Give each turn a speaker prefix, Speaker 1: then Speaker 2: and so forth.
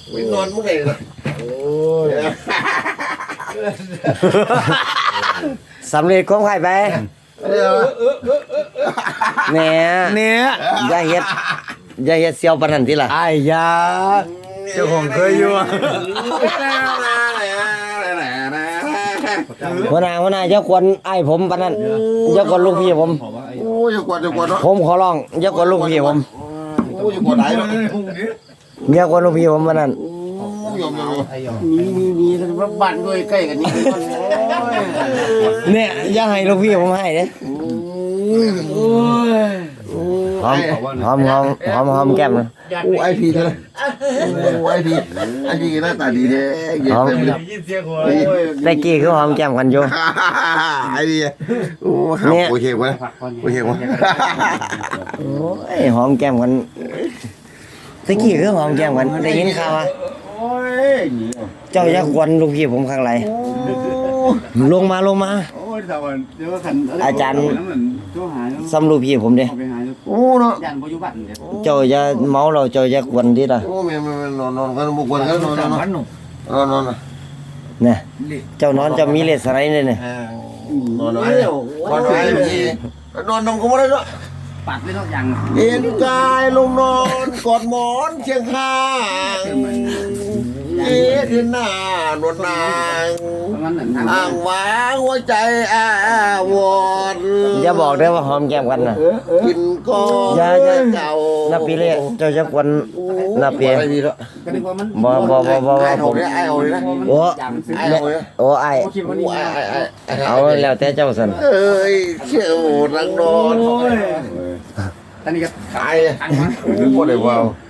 Speaker 1: ไม่นอนเมื่อไหร่ล่ะโอ้ย
Speaker 2: สำเร็จของใครไปเนี่ยอย่าเฮ็ดเสียวปานนั้นติล่ะ
Speaker 3: ไอ้ยาเจ้าของเคยอยู่
Speaker 2: หัวหน้าอย่าควรอ้ายผมปานนั้นอย่าควรลูกพี่ผม
Speaker 1: โอ้ยอย่ากวดเนาะ
Speaker 2: ผมขอร้องอย่าควรลูกพี่ผม
Speaker 1: โอ้ยอย่ากวดไหนเนาะ
Speaker 2: อย่าควรลูกพี่ผมปานนั้น
Speaker 1: ยอม
Speaker 3: มีบ้านด้วยใกล้กันนี่
Speaker 2: เนี่ยอย่าให้ลูกพี่ผมให้เด้หอมแก้มนะ
Speaker 1: โอ้ไอพีเลยโอ้ไอพีหน้าตาดีแท้เย็นเต็มเลย
Speaker 2: ตะกี้คือหอมแก้มกันอยู่
Speaker 1: ไอพีโอ้หาโอเควะโอเควะ
Speaker 2: โอ้ยหอมแก้มกันตะกี้คือหอมแก้มกันได้ยินข่าวว่าเจ้าอย่าควรลูกพี่ผมข้างไรลงมา อาจารย์ซ้ำลูกพี่ผมเด้
Speaker 1: โอ้เนาะ
Speaker 2: เจ้าอย่าเมาเราเจ้าอย่าควรดิล่ะ
Speaker 1: โอ้แม่นอนกันบุกวนกันนอน
Speaker 2: เนี่ยเจ้านอนเจ้ามีเลสไรเนี่ยเนี่ย
Speaker 1: นอนไอ้นอนนอนก็ไม่ได้เนาะ
Speaker 3: ปัดเลยทุกอย่าง
Speaker 1: เอ็นกายลงนอนกอดหมอนเชียงข้างเอ็นหน้านวลนางอ่างว้างหัวใจอาวร
Speaker 2: อย่าบอกได้ว่าหอมแก้มกันนะ
Speaker 1: กินก้อน
Speaker 2: อย่า
Speaker 1: เก่า
Speaker 2: นับปีเลยเจ้าอย่าควรนับปี
Speaker 1: ไอ้พี่ละ
Speaker 2: บ่
Speaker 1: ไอ้
Speaker 2: ผ
Speaker 1: เอา
Speaker 2: ม
Speaker 1: เนี่ยไอ้เอาเนี่ย
Speaker 2: โอ้
Speaker 1: ไอ้เอาเนี่ย
Speaker 2: โอ้ไอ เอาแล้วแต่เจ้าสัน
Speaker 1: เอ้ยเชี่ยวรังนอน
Speaker 3: อันนี้ก็
Speaker 1: ขายพอได้ว้าว